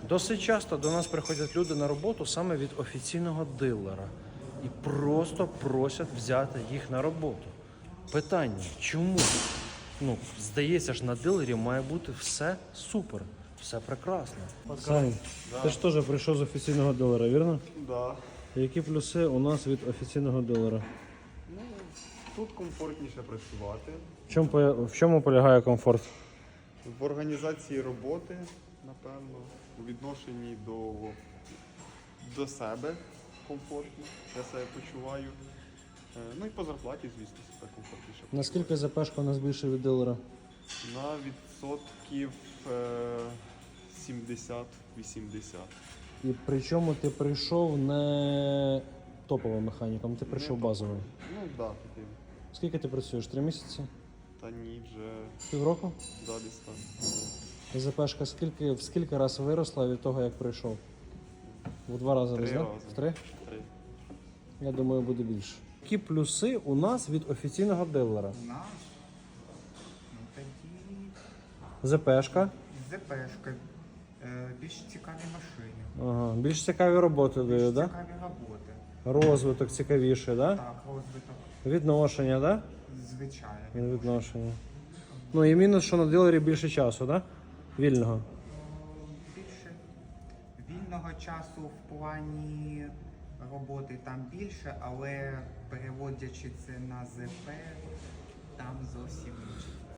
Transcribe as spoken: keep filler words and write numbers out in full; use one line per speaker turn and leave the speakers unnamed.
Досить часто до нас приходять люди на роботу саме від офіційного дилера і просто просять взяти їх на роботу. Питання, чому? Ну, здається ж, на дилері має бути все супер, все прекрасно. Сань,
Да.
ти ж теж прийшов з офіційного дилера, вірно?
Да.
Які плюси у нас від офіційного дилера?
Ну, тут комфортніше працювати.
В чому, по- в чому полягає комфорт?
В організації роботи, напевно, у відношенні до, до себе комфортно. Я себе почуваю. Е, Ну і по зарплаті, звісно, себе комфортніше.
Наскільки ЗПшка у нас більше від дилера?
На відсотків е, сімдесят-вісімдесят.
І причому ти прийшов не топовим механіком, ти прийшов
Не
базовим.
Ну так, да, таким.
Скільки ти працюєш? Три місяці?
Та ні, вже
Півроку?
да, десь так.
ЗПшка скільки, в скільки раз виросла від того, як прийшов? В два рази
Три
десь, так?
рази.
В три?
Три.
Я думаю, буде більше. Які плюси у нас від офіційного дилера?
У нас? Ну тоді
ЗПшка.
ЗПшка, е, більш цікаві машини,
Ага. Більш цікаві роботи
більш
дають, так?
цікаві роботи.
Розвиток цікавіший, так?
Так, розвиток,
Відношення, так?
звичайно.
Від відношення. Ну і мінус, що на дилері більше часу, так? Вільного.
Більше вільного часу в плані роботи там більше, але переводячи це на ЗП, там зовсім інше.